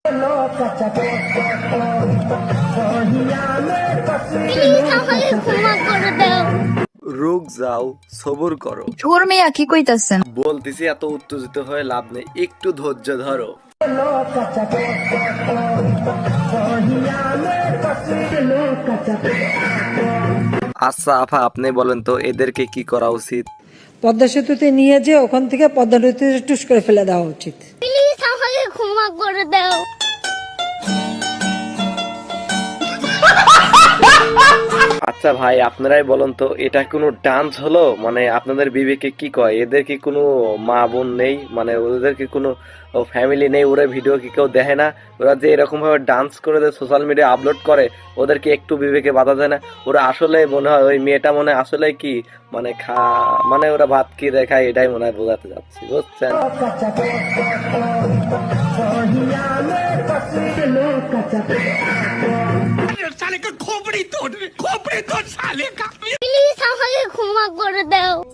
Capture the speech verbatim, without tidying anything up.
রুক যাও, সবর করো। ছোর মেয়া কি কইতাছেন? বলতেছি এত উত্তেজিত হয়ে লাভ নেই, একটু ধৈর্য ধরো। আচ্ছা আফা, আপনি বলেন তো এদেরকে কি করা উচিত? পদ্মা সেতুতে নিয়ে যে ওখান থেকে পদ্মা নদীতে টুস করে ফেলে দেওয়া উচিত। প্লিজ আমাকে ক্ষমা করে দাও। আচ্ছা ভাই, আপনারাই বলেন তো এটা কোনো ডান্স হলো? মানে আপনাদের বিবেকে কি কয়, এদের কি কোনো মা বোন নেই? মানে ওদের কি কোনো ফ্যামিলি নেই? ওরা ভিডিও কি কেউ দেখে না? ওরা যে এরকম ভাবে ডান্স করে সোশ্যাল মিডিয়া আপলোড করে, ওদেরকে একটু বিবেকে বাধা দেয় না? ওরা আসলে মনে হয় ওই মেয়েটা মনে হয় আসলে কি মানে খা মানে ওরা ভাত কি দেখায়, এটাই মনে হয় বোঝাতে যাচ্ছি, বুঝছেন? প্লিজ আমাকে ক্ষমা করে দাও।